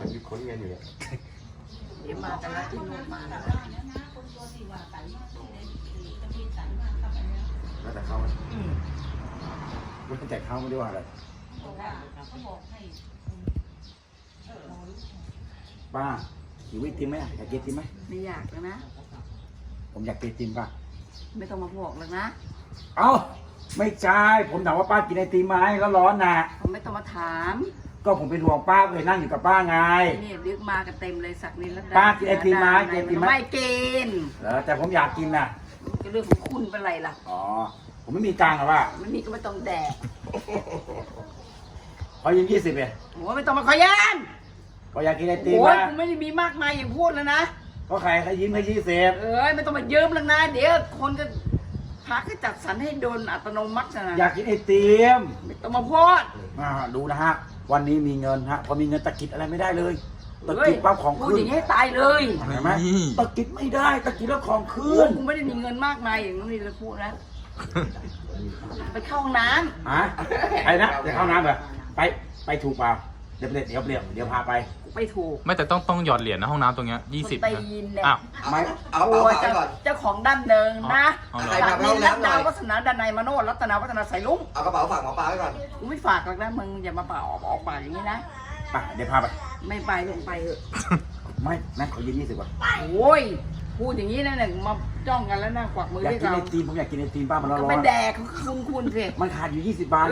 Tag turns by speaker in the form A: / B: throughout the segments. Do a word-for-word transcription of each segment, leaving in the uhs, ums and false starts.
A: อนอยู่ค้นกันอยู่เลย
B: เดี๋ยวมากันแล้วที่นู่นมาแล้ว
A: แล้วแต่เขาแล้วแต่เขาไม่ได้ว่าอะไรป้าหิวไอติมไหมอยากกินไอติมไหม
B: ไม่อยากแล้วนะ
A: ผมอยากกินไอติมป้า
B: ไม่ต้องมาบอกแล้วนะ
A: เอ้าไม่ใช่ผมถามว่าป้ากินไอติมไหมแล้วร้อนน่ะ
B: ผมไม่ต้องมาถาม
A: ก็ผมเป็นห่วงป้าเลยนั่งอยู่กับป้าไง
B: นี่ดึกมากันเต็มเลยสักนิดแล้ว
A: ป้ากินไอติมไหมกินไอติมไหม
B: ไม่กิน
A: เออแต่ผมอยากกินน่ะ
B: ก็เรื่องของคุณเป็นไรล่ะ
A: อ๋อผมไม่มีตังค์หรอป้า
B: ไม่มีก็ไม่ต้องแดก
A: ขอยืมยี่สิบเอง
B: โอ้ไม่ต้องมาขอยัน
A: ก็อยากกินไอติม
B: โอ้ยกูไม่ได้มีมากมายอย่างพูดแล้วนะ
A: ก็ใครใครยิ้มให้ยี่สิบ
B: เอ้ยไม่ต้องมายืมแล้วนะเดี๋ยวคนก็พักก็จัดสรรให้โดนอัตโนมัตินะ
A: อยากกินไอติม
B: ไม่ต้องมาพูด
A: อ่าดูนะฮะวันนี้มีเงินฮะพอมีเงินตะกิดอะไรไม่ได้เลยตะกิดปั๊บของขึ้น
B: พูดอย่างนี้ให้ตายเลย
A: เห็นไหมตะกิดไม่ได้ตะกิดแล้วของขึ้น
B: กูไม่ได้มีเงินมากมายอย่างนี้เลยพูดนะไปเข้าห้องน้
A: ำฮะไปนะเดี๋ยวเข้าน้ำแบบไปไปถูกเปล่าเดี๋ยวเดี๋ยวเดี๋ยวเดี๋ยวพาไป
B: ไปถูก
C: ไม่แต่ต้องต้องหยอดเหรียญนะห้องน้ำตรงเนี้ยยี่สิบ
B: ไปยินเนี่ย
C: อ้าว
A: ไม่
B: เอาเอาไปก่อนเจ้าของด้านเดิมนะจากนี้รัตนาวัฒนาดานายมโนรัตนาวัฒนาใส่ลุง
D: เอากระเป๋าฝากหมอปลาไว้ก่อน
B: กูไม่ฝากหรอกนะมึงอย่ามาเป่าออกออกปากอย่างนี้นะ
A: ไปเดี๋ยวพาไป
B: ไม่ไปลงไปเถอะ
A: ไม่นะขอยืมยี่สิบก่อน
B: โอ้ยพูดอย่างนี้นะหนึ่งมาจ้องกันแล้วนะกวักมือ
A: อยากกินไอติมผมอยากกินไอติมป้ามันร้อน
B: ก็ไม่แดกคุณคุณสิ
A: มันขาดอยู่ยี่สิบบาท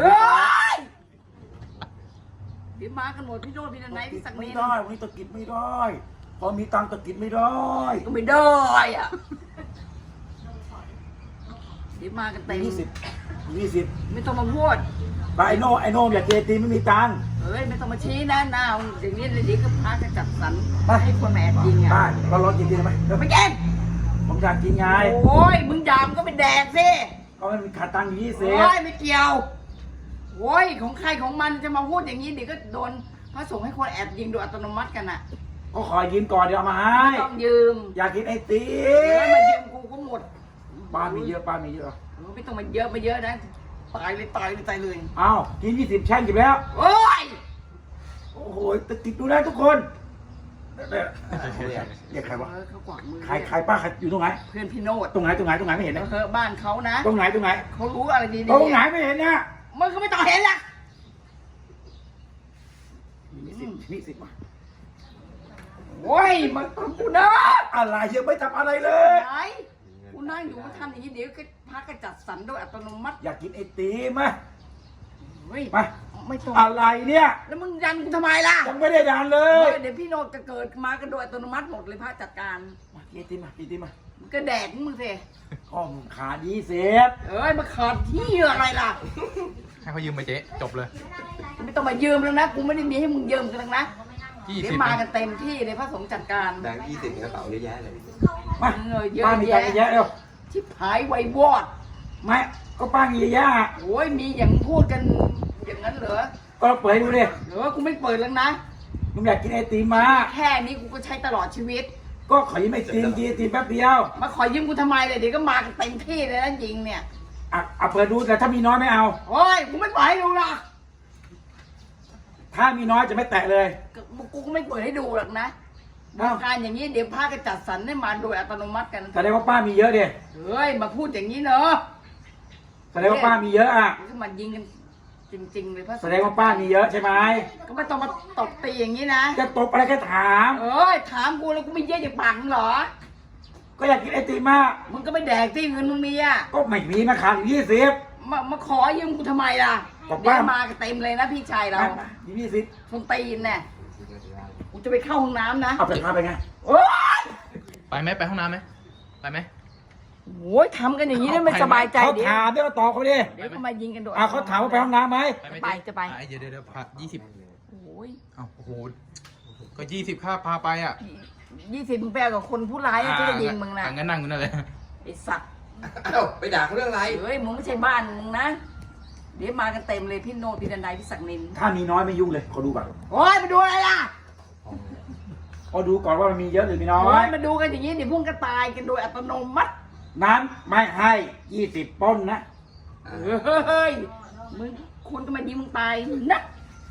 B: เดี๋ยวมากันหมดพี่โน้ตพี่นันไนพี่สักนิด
A: ไม่ได้วันนี้ตะกิดไม่ได้พอมีตังตะกิดไม่ได้
B: ก็ไม่ได้อ่ะเดี๋ยวมากันเต็ม
A: ยี่สิบยี่สิบ
B: ไม่ต้องมาพูด
A: ไปไอโน่ไอโน่อยากกินไอติมไม่มีตัง
B: เฮ้ยไม่ต้องมาชี้นะหน้าอย่างนี้เลยดีก็พาจะจัดสรรให้คนแอบยิงอ่ะ
A: ได้เราลองกินดีไหม
B: ไม่กิน
A: ผมอยากกินไง
B: โอ้ยมึงยามก็ไปแดกสิ
A: ก็มันขาดตังค์ยี่สิบ
B: โอ้ยไม่เกี่ยวโอ้ยของใครของมันจะมาพูดอย่างนี้เดี๋ยวก็โดนพระสงฆ์ให้คนแอบยิงโดยอัตโนมัติกันอ่ะ
A: ก็ขอยืมก่อนเดี๋ยวเอามาให้
B: ไม่ต้องยืม
A: อยากกินไอติ
B: มมายืมกูก็หมด
A: ป้ามีเยอะป้ามีเยอะ
B: ไม่ต้องมาเยอะมาเยอะนะตายเลยตายเลยตายเลย
A: อ้าวกินยี่สิบแช่งกินแล้ว
B: โอ้ย
A: โอ้โหตะกิดดูนะทุกคนเรียกใครวะใครใครป้าใครอยู่ตรงไหน
B: เพื่อนพี่โนด
A: ตรงไหนตรงไหนตรงไหนไม่เห็นนะ
B: เออบ้านเขานะ
A: ตรงไหนตรงไหน
B: เขารู้อะไรดี
A: ๆตรงไหนไม่เห็นนะ
B: มึงก็ไม่ต้องเห็นละ
A: นี่สินี่สิมา
B: โอ้ยมันทำกูนะ
A: อะไรยังไม่ทำอะไรเลย
B: ไหนกูนั่งอยู่ก็ทำอย่างนี้เดี๋ยวก็พักก็จัดสรรโดยอัตโนมัติ
A: อยากกินไอติมไหม
B: มาไม่ต้อง
A: อะไรเนี่ย
B: แล้วมึงยันกูทำไมล่ะ
A: ผมไม่ได้ดันเลย
B: เดี๋ยวพี่โนดจะเกิดมากันโดยอัตโนมัติหมดเลยพระจัดการ
A: มากินไอติมมากินไอติมมา
B: ก็แดกมึงสิ
A: ข้อมขาดีเสีย
B: เอ้ยมาขาดที่อะไรล่ะ
C: ให้เขายืมไปเจ๊จบเลย
B: ไม่ต้องมายืมแล้วนะกูไม่ได้มีให้มึงยืมกันนะเดี๋ยวมากันเต็มที่เลยพระสงฆ์จัดการ
D: แบงค์ยี่สิบกระเป๋าเยอะแยะเลย
A: มาป้ามีตังค์เยอะเร็ว
B: ชิบหายไววอด
A: ไม่ก็ป้ามีเยอะ
B: โอ้ยมีอย่างพูดกันอย่างนั้นเหรอ
A: ก็เปิดดูดิ
B: เออกูไม่เปิดแล้วนะ
A: มึงอยากกินไอติมมา
B: แค่นี้กูก็ใช้ตลอดชีวิต
A: ก็ขอยืมไอติมกินไอติมแป๊บเดียว
B: มาขอยืมกูทำไมเลยเดี๋ยวก็มากันเต็มที่เลยนะจริงเนี่ย
A: อ่ะเอาเปิดดูแต่ถ้ามีน้อยไม่เอา
B: โอ้ยกูไม่ปล่อยให้ดูหรอก
A: ถ้ามีน้อยจะไม่แตะเลย
B: กูก็ไม่เปิดให้ดูหรอกนะการอย่างนี้เดี๋ยวพากันจัดสรรให้มาโดยอัตโนมัติกัน
A: แสดงว่าป้ามีเยอะดิ
B: เฮ้ยมาพูดอย่างนี้เนอะ
A: แสดงว่าป้ามีเยอะอ่ะ
B: ก็มายิงกันจริงๆเลยพระ
A: แสดงว่าป้ามีเยอะใช่ไหม
B: ก็ไม่ต้องมาตบตีอย่างนี้นะ
A: จะตบอะไรแค่ถาม
B: เอ้ยถามกูแล้วกูไม่เยอะอย่างปากมึงเหรอ
A: ก็อยากกินไอติมมาก
B: มึงก็ไม่แดกที่เงินมึงมีอ่ะ
A: ก็ไม่มีมาขาดยี่สิบ
B: มามาขอยืมกูทำไมล่ะเดี๋ยวมากันเต็มเลยนะพี่ชายเรา
A: ยี่สิบ
B: คนตีนเนี่ยกูจะไปเข้าห้องน้ำนะ
A: เอาไปพาไปไง
B: โอ๊ย
C: ไปไหมไปห้องน้ำไหมไปไหม
B: โอ้ยทำกันอย่างนี้ได้ไม่สบายใจ
A: เขาถามเดี๋ยวตอบเขาดิ
B: เดี๋ยวเขามายิงกันโดด
A: อ่ะเขาถามว่าไปห้องน้ำไหม
B: ไปจะไป
C: เดี๋ยวเดี๋ยวเดี๋ยวพายี่สิบ
B: โอ้ย
C: โอ้โหก็ยี่สิบค่าพาไปอ่ะ
B: ยี่สิบมึงแปลกับคนผู้ร้ายที่จะยิงมึงนะ
C: งั้นนั่งกันนั่นเลย
B: ไอ้สัตว์
D: เอ้าไปด่าเขาเรื่องอะไร
B: เฮ้ยมึงไม่ใช่บ้านมึงนะเดี๋ยวมากันเต็มเลยพี่โนพี่ดันไดพี่ศักดิ์นิน
A: ถ้ามีน้อยไม่ยุ่งเลยขอดูก่อน
B: โอ้ยมาดูอะไรล่ะ
A: ขอดูก่อนว่ามันมีเยอะหรือมีน้อย
B: โอ้ยมาดูกันอย่างนี้เดี๋ยวพวกก็ตายกันโดยอัตโนมัติ
A: นั้นไม่ให้ยี่สิบป้นนะ
B: เฮ้ยมึงคุณก็มายิงมึงตายนะ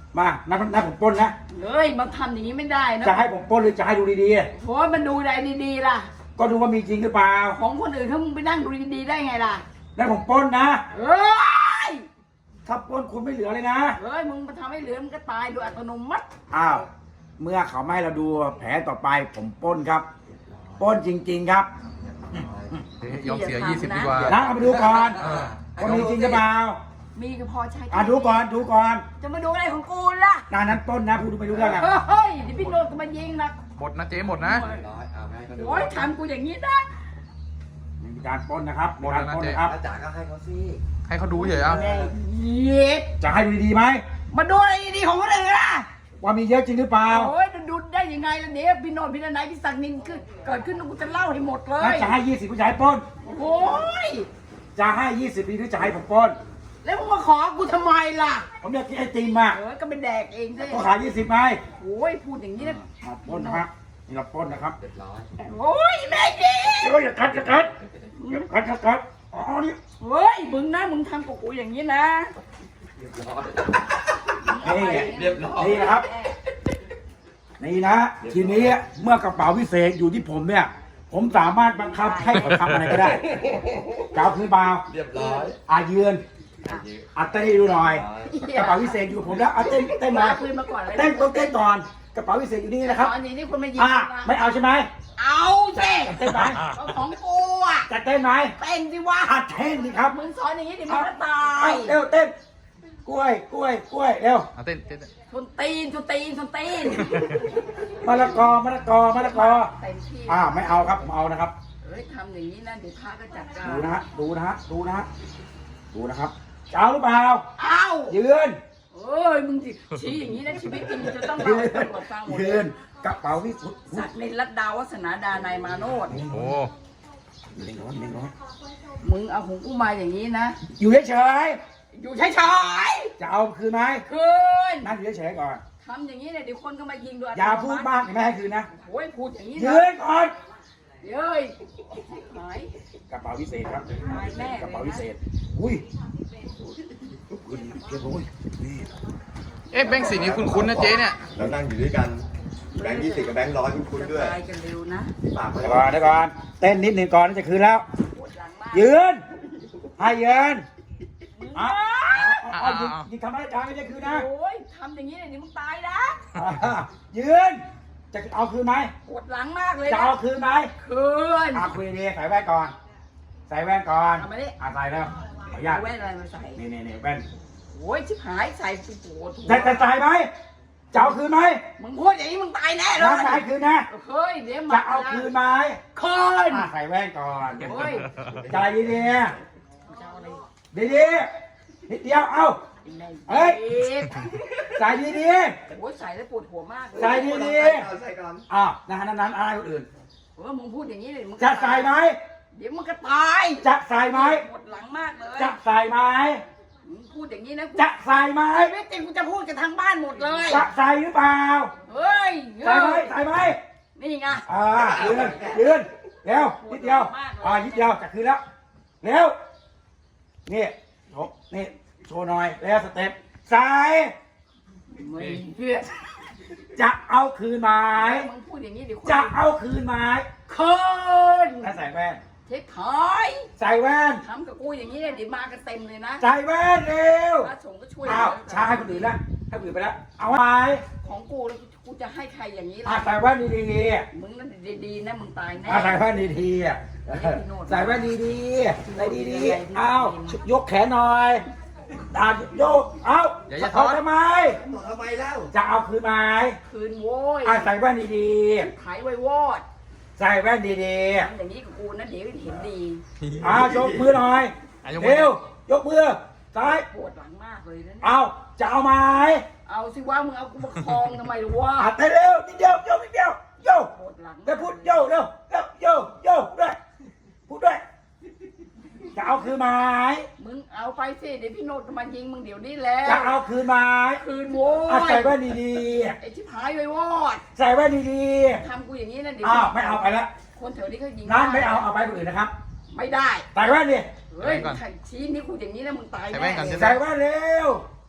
A: มานับนับผมปล้นนะ
B: เฮ้ยมาทำอย่างนี้ไม่ได้นะ
A: จะให้ผมปล้นหรือจะให้ดูดี
B: โอ้ยมันดูได้ดีๆล่ะ
A: ๆก็ดูว่ามีจริงหรือเปล่า
B: ของคนอื่นถ้ามึงไปนั่งดูดีๆได้ไงล่ะ
A: แล้วผมปล้นนะ
B: เฮ้ย
A: ถ้าปล้นคุณไม่เหลือเลยนะ
B: เฮ้ยมึงมาทำให้เหลือมึงก็ตายโดยอัตโนมัติ
A: อ้าวเมื่อเขาไม่ให้เราดูแผลต่อไปผมปล้นครับปล้นจริง ๆครับ
C: ยอมเสียยี่สิบดีกว่า
A: นะเอาไปดูก่อน
C: เออ
A: ว่ามีจริงหรือเปล่า
B: มีก็พอใช้
A: อ่ะดูก่อนดูก่อน
B: จะมาดูอะไรของกูล่ะ
A: นานนั้นปล้นนะพูดไม่รู้เรื่องอ่ะ
B: เฮ้ยเดี๋ยวพี่โนนก็มายิงนะ
C: หมดนะเจ๊หมดนะ
D: ร้อยเอาให้เขาดู
B: โอ้ยทำกูอย่างนี้นะ
A: มีการปล้นนะครับ
C: หมดแล้วนะ
A: มีการปล้น
C: เจ๊
A: นะครับ
D: อาจารย์ก็ให้เขาสิ
C: ให้เขาดูเฉยๆเอา
B: แม่เย็ด
A: จะให้ดูดีๆไหม
B: มาดูอะไรดีๆของคนอื่นล่ะ
A: ว่ามีเยอะจริงหรือเปล่า
B: โอ้ยดูได้ยังไงล่ะเดี๋ยวพี่โนนพี่นายพี่ศักดิ์นินคือเกิดขึ้นกูจะเล่าให้หมดเล
A: แล้ว
B: ย
A: จะให้ยี่สิบผู้ชายปล้น
B: โอ้ย
A: จะให้ยี่สิบปีหรือจะให้ผมปล้น
B: แล้วมึงมาขอกูทำไมล่ะ
A: ผมอยากกินไอติมอ่ะ
B: เออก็ไปแดกเองสิ
A: ก็ขายยี่สิบไหม
B: โอ้ยพูดอย่างนี้นะ
A: อ่ะปล้นนะครับนี่เราปล้นนะครับ
D: เรียบร้อย
B: โอ้ยแม่ดี
A: เดี๋ยวอย่ากัดอย่ากัดอย่ากัดอย่ากัดอ๋อนี่
B: เฮ้ยมึงนะมึงทำกับกูอย่างนี้นะ
D: เรียบร้อย
A: นี่ไง
D: เรียบร้อย
A: นี่นะครับ นี่นะ ทีนี้เมื่อกระเป๋าพิเศษอยู่ที่ผมเนี่ย ผมสามารถบังคับให้เขาทำอะไรก็ได้จะเอาพื้นเปล่า
D: เรียบร้อย
A: อายืน
D: ยืด
A: อาเต้นให้ดูหน่อย กระเป๋าพิเศษอยู่กับผมแล้วอาเต้นเต้นหน่อย
B: คืนมาก่อนเลย
A: เต้นต้องเต้นก่อน กระเป๋าพิเศษอยู่นี่นะครับ
B: ตอนนี้นี่คนมายิง
A: อ่า
B: นะ
A: ไม่เอาใช่ไหม
B: เอาสิ
A: เต้นไหม
B: เอาของกูอ่ะ
A: จะเต้นไหม
B: เต้นสิวะ
A: อาเต้นสิครับ
B: มึงสอนอย่างนี้เดี๋ยวมึงก็ตา
A: เอา
B: ย
A: เร็วเต้น กล้วย กล้วย กล้วย เร็ว
C: เอาเต้นเต้นเต้น
B: ชนตีนชนตีนชนตีน
A: มะละกอ มะละกอ มะละกอ
B: เต็มที่
A: อ่า ไม่เอาครับ ผมเอานะครับ
B: เฮ้ยทำอย่างนี้นะเดี๋ยวพระก็จัดการ
A: ดูนะฮะ ดูนะฮะ ดูนะฮะ ดูนะครับจะเอาหรือเปล่า
B: เอ้า
A: ยืน
B: เอ้ยมึงสิชี้อย่างนี้นะชีวิตจริงมึงจะต้อง
A: ยื
B: เล่าให้
A: น
B: ตำรวจฟังหมด
A: ยื
B: เลย
A: น กระเป๋าวิสุทธิ์
B: ศักดิ์ในรัตดาวัฒนาดานายมาโนด
C: โอ้
A: เล็งน้อยเล็งน้อย
B: มึงเอาของกูมาอย่างนี้นะ
A: อยู่เฉย
B: อยู่เฉย
A: ๆจะเอาคืนไหม
B: ๆคืน
A: นั่งอยู่เฉยๆก่อน
B: ทำอย่างนี้เนี่ยเดี๋ยวคนก็มายิงด้วย
A: อย่าพูดมากไม่ให้คืนนะ
B: โอ้ยพูดอย่างนี้
A: ยื
B: นะ
A: นก่อน
B: เฮ้ยหาย
A: กระเป๋าพิเศษครับ
B: ตายแน่
A: กระ
B: เล
A: เป๋าย พิเศ
B: นะ
A: ษ อุ้ยปืนเก็บโอ้ยนี่
C: เอ๊ะแบงค์สีนี้คุ้นๆนะเจ๊เนี่ย
D: เรานั่งอยู่ด้วยกัน แบงค์ยี่สิบกับแบงค์ร้อยคุ้นๆด้วย
B: ตายกันเร็วนะ
D: ปากมัน
A: เดี๋ยวก่อนเดี๋ยวก่อนเต้นนิดหนึ่งก่อนจะคืนแล้ว
B: ปวดหลังมาก
A: ยืน ให้ยืน
B: มึง
A: อ่ะ
B: นะ
A: เอาหยิบหยิบทำอะไรจานไม่ใช่คืนนะ
B: โอ้ยทำอย่างนี้เนี่ยเดี๋ยวมึงตายนะ
A: อ่ะยืน จะเอาคืนไหม
B: ปวดหลังมากเลย
A: จะ
B: นะ
A: เอาคืนไหม
B: คืน
A: อ่ะคุยดีใส่แว่นก่อน ใส่แว่นก่อน
B: เอามาดิ
A: อ่ะใส่แล้วขออนุญาต
B: เอาแว่นอะไรมาใส่
A: นี่นี่นี่แว่น
B: โอ้ยชิบหายใส่กูปวดหัว
A: จะจะใส่ไหมจะเอาคืนไหม
B: มึงพูดอย่างนี้มึงตายแน่เล
A: น้าย จะให้คืนนะ
B: เฮ้ยเดี๋ยว
A: จะเอาคืนไหม
B: คืน
A: อ่ะใส่แว่นก่อน
B: โอ้ย
A: ใจดีดี
B: จะเอาอะไร
A: ดีดีๆนิดเดียว เอา เฮ้ย
B: ด็ก
A: ใส่ดีดี
B: โอ้ยใส่แล้วปวดหัวมากเลย
A: ใส่ดีดี
D: เอาใส่ก่อน
A: ๆอ้าวนะฮะนั้นๆอะไรคนอื่น
B: เออมึงพูดอย่างนี้เลยมึง
A: จะใส่ไหม
B: เดี๋ยวมึงก็ตาย
A: จะใส่ไหม
B: ปวดหลังมากเลย
A: จะใส่ไหม
B: มึงพูดอย่างนี้นะ
A: จะใส่ไหม
B: ไอ้เวทจริงกูจะพูดกับทางบ้านหมดเลย
A: จะใส่หรือเปล่า
B: เฮ้ย
A: ใส่ไหมใส่ไหม
B: นี่ไง
A: อ่ายืนยืนเร็วนิดเดียวอ่านิดเดียวจะคืนแล้วเร็วนี่โชว์นี่โชว์หน่อยแล้วสเต็ปใส่
B: ไม่เชื่อ
A: จะเอาคืนไหม
B: มึงพูดอย่างนี้เดี๋ยวคน
A: จะเอาคืนไหม
B: คืน
A: ถ้าใส่แว่น
B: เช็คถอย
A: ใส่แว่น
B: ทำกับกูอย่างนี้เนี่ยเดี๋ยวมากันเต็มเลยนะ
A: ใส่แว่นเร็ว
B: พระสงฆ์ก็ช่วย
A: อ้าวช้าให้คนอื่นละให้คนอื่นไปแล้วเอาไหม
B: ของกูแล้วกูจะให้ใครอย่างนี้
A: อ่า
B: ล่ะ
A: ใส่แว่นดี
B: มึงนั่นดีๆนะมึงตาย
A: ๆ
B: แน่
A: อ่าใส่แว่นดีๆอ่ะใส่แว่นดีๆใส่ดีๆเอายกแขนหน่อยอ่าโยกเอา
C: อย่าอย่า
A: ถอด
C: ถอด
A: ทำไม
D: ทำไมแล้ว
A: จะเอาคืนไหม
B: คืนโว้ย
A: อ่าใส่แว่นดี
B: ขายไว้วอด
A: ๆใส่แว่นดี
B: ทำอย่างนี้กับกูนะเดี๋ยวเห็นดี
A: ๆอ่ายกมือหน่อย
C: อ่ะยกมือ
A: เร็วยกมือซ้าย
B: ปวดหลังมากเลยนะ
A: เอาจะเอาไหม
B: เอาสิว่ามึงเอากูมาคลองทำไมล่ะวะ
A: อ่าเต้นเร็วนิดเดียวโยกนิดเดียวโยก
B: ปวดหลัง
A: แล้วพูดโยกเร็วเร็วโยกโยกด้วยพูดด้วยจะเอาคืนไหม
B: มึงเอาไปสิเดี๋ยวพี่โนดจะมายิงมึงเดี๋ยวนี้แหล้ว
A: จะเอาคืนไหม
B: คืนโว้
A: อ่ะ
B: ย
A: ใส่แว่นดี
B: ไอ้ชิบหายไว้วอด
A: ๆใส่แว่นดี
B: ทำกูอย่างนี้นะ
A: ๆ
B: เดี๋ยว
A: อ้าวไม่เอาไปแล้ว
B: คนแถวนี้เขายิง
A: นั้นไม่เอาเอาไปคนอื่นนะครับ
B: ไม่ได้
A: ใส่แว่นดิ
B: เฮ้ย
C: ใส่แว่นก่อน
B: ใครชี้นิ้วกูอย่างนี้นะมึงตาย
C: ใส่แว่นก่อน
B: แน่
C: ใช่ไหม
A: ใส่แว่นเร็ว
B: ก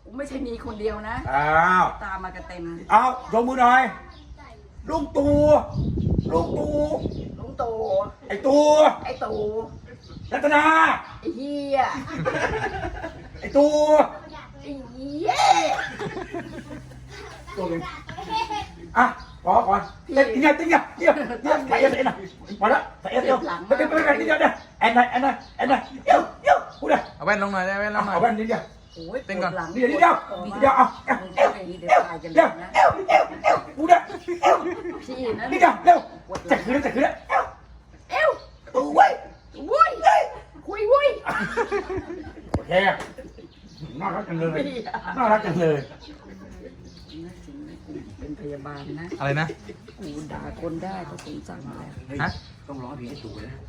B: กูไม่ใช่มีคนเดียวนะ
A: อ้าว
B: ตามมากันเต็ม
A: เอายกมือหน่อยลุงตู่ลุงตู่
B: ลุงตู่
A: ไอ้ตู่
B: ไอ้ตู่
A: รัตนา
B: ไอ้เฮีย
A: ไอ้ตู่
B: ไอ้เหี้ย
A: ตัวเองอ่ะขอก่อนเต้นเดียวเต้นเดียวเดียวเดียวใส่เอสเอ็นนะมาแล้วใส่เอสเดียวไม่เป็นไม่เป็นนิดเดียวเนี่ยแอนไหนแอนไหนแอนไหนเดียวเดียวพูดเลย
C: เอาแว่นลงหน่อยได้แว่นลงหน่อย
A: เอาแว่นนิดเดียว
B: โอ้ย
C: เต้นก่อน
B: ปวดหลัง
A: นิดเดียวนิดเดียวนิดเดียวเอาเอว
B: มึง
A: เอ
B: จะ
A: ว
B: ไปเดี๋ยว
A: เอว
B: ตายกัน
A: เดียว
B: นะ
A: เอวเอวเอวพูดเลยเอว
B: พี่นะ
A: นิดเดียวเร็วจะคืนแล้วจะคืนแล้วเอว
B: เอ้ว
A: ตู่ไว้
B: วุ้ยคุยวุ้ย
A: โอเคน่ารักจังเลยน่ารักจังเลย
B: เป็นพยาบาลนะ
C: อะไรนะ
B: กูด่าคนได้ก็สงสารแล้ว
C: ฮะ
A: ต้องร้องเพลงให้ตู่นะ